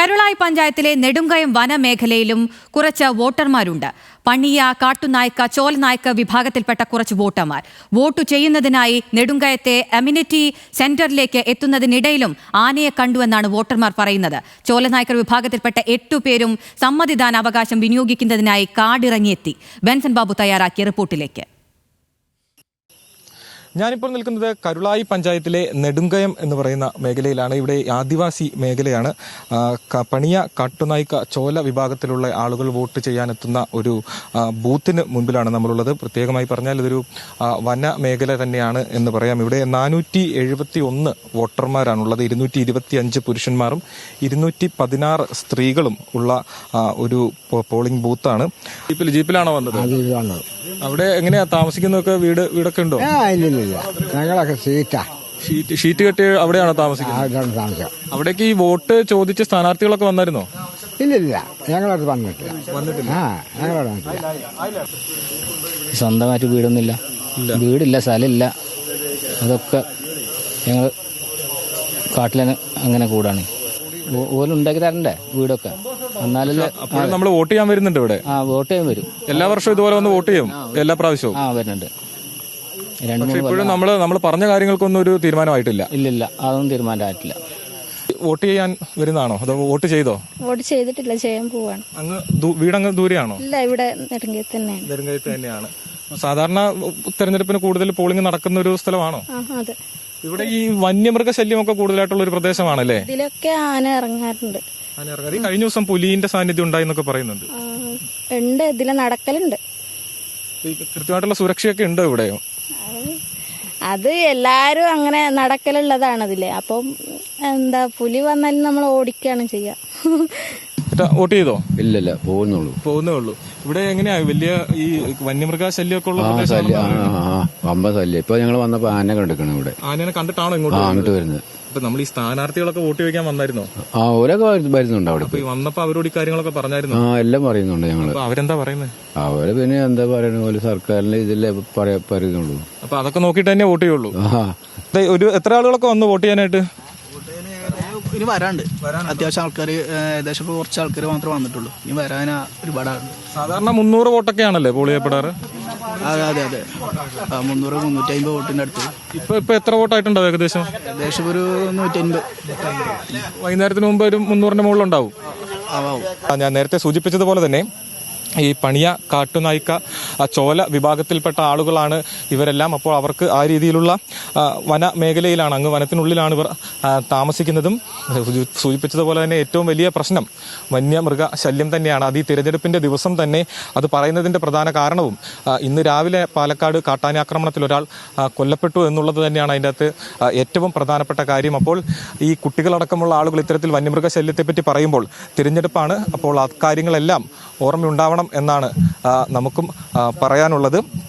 കരുളായി പഞ്ചായത്തിലെ നെടുങ്കയം വനമേഖലയിലും കുറച്ച് വോട്ടർമാരുണ്ട്. പണിയ, കാട്ടുനായ്ക്ക, ചോലനായ്ക്ക വിഭാഗത്തിൽപ്പെട്ട കുറച്ച് വോട്ടർമാർ വോട്ടു ചെയ്യുന്നതിനായി നെടുങ്കയത്തെ അമ്യൂണിറ്റി സെന്ററിലേക്ക് എത്തുന്നതിനിടയിലും ആനയെ കണ്ടുവെന്നാണ് വോട്ടർമാർ പറയുന്നത്. ചോലനായ്ക്കർ വിഭാഗത്തിൽപ്പെട്ട 8 പേരും സമ്മതിദാനാവകാശം വിനിയോഗിക്കുന്നതിനായി കാടിറങ്ങിയെത്തി. ബെൻസൺ ബാബു തയ്യാറാക്കിയ റിപ്പോർട്ടിലേക്ക്. ഞാനിപ്പോൾ നിൽക്കുന്നത് കരുളായി പഞ്ചായത്തിലെ നെടുങ്കയം എന്ന് പറയുന്ന മേഖലയിലാണ്. ഇവിടെ ആദിവാസി മേഖലയാണ്. പണിയ, കാട്ടുനായ്ക്ക, ചോല വിഭാഗത്തിലുള്ള ആളുകൾ വോട്ട് ചെയ്യാനെത്തുന്ന ഒരു ബൂത്തിന് മുൻപിലാണ് നമ്മളുള്ളത്. പ്രത്യേകമായി പറഞ്ഞാൽ ഇതൊരു വന മേഖല തന്നെയാണ് എന്ന് പറയാം. ഇവിടെ 471 വോട്ടർമാരാണുള്ളത്. 225 പുരുഷന്മാരും 216 സ്ത്രീകളും ഉള്ള ഒരു പോളിംഗ് ബൂത്താണ്. ജീപ്പിലാണോ വന്നത്? അവിടെ എങ്ങനെയാ താമസിക്കുന്നതൊക്കെ? വീടൊക്കെ ഉണ്ടോ? ഞങ്ങളൊക്കെ ഷീറ്റ് കെട്ടി അവിടെയാണോ താമസിക്കുന്നത്? അവിടേക്ക് ഈ വോട്ട് ചോദിച്ച സ്ഥാനാർത്ഥികളൊക്കെ വന്നായിരുന്നോ? ഇല്ലില്ല, ഞങ്ങളത് വന്നിട്ടില്ല. സ്വന്തമായിട്ട് വീടൊന്നുമില്ല, വീടില്ല, സ്ഥലമില്ല. അതൊക്കെ ഞങ്ങൾ കാട്ടിലെ അങ്ങനെ കൂടാണ്. ഓലും ഉണ്ടാക്കി തരണ്ടേ വീടൊക്കെ, എന്നാലല്ലേ. നമ്മൾ വോട്ട് ചെയ്യാൻ വരുന്നുണ്ട് ഇവിടെ. വോട്ട് ചെയ്യാൻ വരും. എല്ലാ വർഷവും ഇതുപോലെ വന്ന് വോട്ട് ചെയ്യും? എല്ലാ പ്രാവശ്യവും വരുന്നുണ്ട്. ഇപ്പോഴും നമ്മൾ പറഞ്ഞ കാര്യങ്ങൾക്കൊന്നും ഒരു തീരുമാനമായിട്ടില്ല. ഇല്ലില്ല, അതൊന്നും തീരുമാനമായിട്ടില്ല. വോട്ട് ചെയ്യാൻ വരുന്നതാണോ അതോ വോട്ട് ചെയ്തോ? വോട്ട് ചെയ്തിട്ടില്ല, ചെയ്യാൻ പോവാണ്. വീടങ്ങ് ദൂരെയാണോ? ഇല്ല, ഇവിടെ നെടുങ്കയത്ത് തന്നെയാണ്. സാധാരണ തെരഞ്ഞെടുപ്പിന് കൂടുതൽ പോളിംഗ് നടക്കുന്ന ഒരു സ്ഥലമാണോ? അതെ. ഇവിടെ ഈ വന്യമൃഗ ശല്യമൊക്കെ കൂടുതലായിട്ടുള്ള ഒരു പ്രദേശമാണല്ലേ? ഇതിലൊക്കെ ആന ഇറങ്ങാറുണ്ട്. കഴിഞ്ഞ ദിവസം പുലിന്റെ സാന്നിധ്യം ഉണ്ടായി എന്നൊക്കെ പറയുന്നുണ്ട്. ഉണ്ട്, ഇതിലെ നടക്കലുണ്ട്. കൃത്യമായിട്ടുള്ള സുരക്ഷയൊക്കെ ഉണ്ടോ ഇവിടെയോ? അത് എല്ലാരും അങ്ങനെ നടക്കലുള്ളതാണ് അതില്. അപ്പം എന്താ, പുലി വന്നാലും നമ്മൾ ഓടിക്കുകയാണ് ചെയ്യാ. വോട്ട് ചെയ്തോ? ഇല്ലല്ല, പോകുന്നേ ഉള്ളൂ. ഇവിടെ എങ്ങനെയാ വലിയ ഈ വന്യമൃഗ ശല്യമൊക്കെ ഉള്ള വമ്പ ശല്യം. ഇപ്പൊ ഞങ്ങൾ വന്നപ്പോ ആന കണ്ടിരിക്കണം ഇവിടെ. ആനനെ കണ്ടിട്ടാണോ ഇങ്ങോട്ട് വരുന്നത്? അപ്പൊ നമ്മൾ ഈ സ്ഥാനാർത്ഥികളൊക്കെ വോട്ട് ചോദിക്കാൻ വന്നായിരുന്നോ? അവരൊക്കെ വരുന്നുണ്ട് അവിടെ. വന്നപ്പോ അവരോട് ഈ കാര്യങ്ങളൊക്കെ പറഞ്ഞായിരുന്നു? എല്ലാം പറയുന്നുണ്ട് ഞങ്ങള്. അവരെന്താ പറയുന്നത്? അവര് പിന്നെ എന്താ പറയുന്ന പോലെ സർക്കാരിന്റെ ഇതിലേ പറയുന്നുള്ളൂ. അപ്പൊ അതൊക്കെ നോക്കിട്ട് തന്നെ വോട്ട് ചെയ്യുള്ളൂ. എത്ര ആളുകളൊക്കെ വന്നു വോട്ട് ചെയ്യാനായിട്ട്? ഇനി വരാണ്ട് അത്യാവശ്യം ആൾക്കാർ, ഏകദേശം കുറച്ച് ആൾക്കാർ മാത്രമേ വന്നിട്ടുള്ളൂ. ഇനി വരാൻ ഒരുപാട്. സാധാരണ 300 വോട്ടൊക്കെ ആണല്ലേ പോൾ ചെയ്യപ്പെടാറ്? അതെ 300-350 വോട്ടിന്റെ അടുത്ത്. ഇപ്പൊ എത്ര വോട്ടായിട്ടുണ്ടോ? ഏകദേശം ഒരു 150. വൈകുന്നേരത്തിന് മുമ്പ് ഒരു 300ന്റെ മുകളിലുണ്ടാവും. ഞാൻ നേരത്തെ സൂചിപ്പിച്ചതുപോലെ തന്നെ ഈ പണിയ, കാട്ടുനായ്ക്ക, ചോല വിഭാഗത്തിൽപ്പെട്ട ആളുകളാണ് ഇവരെല്ലാം. അപ്പോൾ അവർക്ക് ആ രീതിയിലുള്ള വന മേഖലയിലാണ്, അങ്ങ് വനത്തിനുള്ളിലാണ് ഇവർ താമസിക്കുന്നതും. സൂചിപ്പിച്ചതുപോലെ തന്നെ ഏറ്റവും വലിയ പ്രശ്നം വന്യമൃഗ ശല്യം തന്നെയാണ്. അത് ഈ തിരഞ്ഞെടുപ്പിൻ്റെ ദിവസം തന്നെ അത് പറയുന്നതിൻ്റെ പ്രധാന കാരണവും ഇന്ന് രാവിലെ പാലക്കാട് കാട്ടാനാക്രമണത്തിൽ ഒരാൾ കൊല്ലപ്പെട്ടു എന്നുള്ളത് തന്നെയാണ് അതിൻ്റെ അകത്ത് ഏറ്റവും പ്രധാനപ്പെട്ട കാര്യം. അപ്പോൾ ഈ കുട്ടികളടക്കമുള്ള ആളുകൾ ഇത്തരത്തിൽ വന്യമൃഗ ശല്യത്തെപ്പറ്റി പറയുമ്പോൾ തിരഞ്ഞെടുപ്പാണ്, അപ്പോൾ ആ കാര്യങ്ങളെല്ലാം ഓർമ്മയുണ്ടാവണം എന്നാണ് നമുക്കും പറയാനുള്ളത്.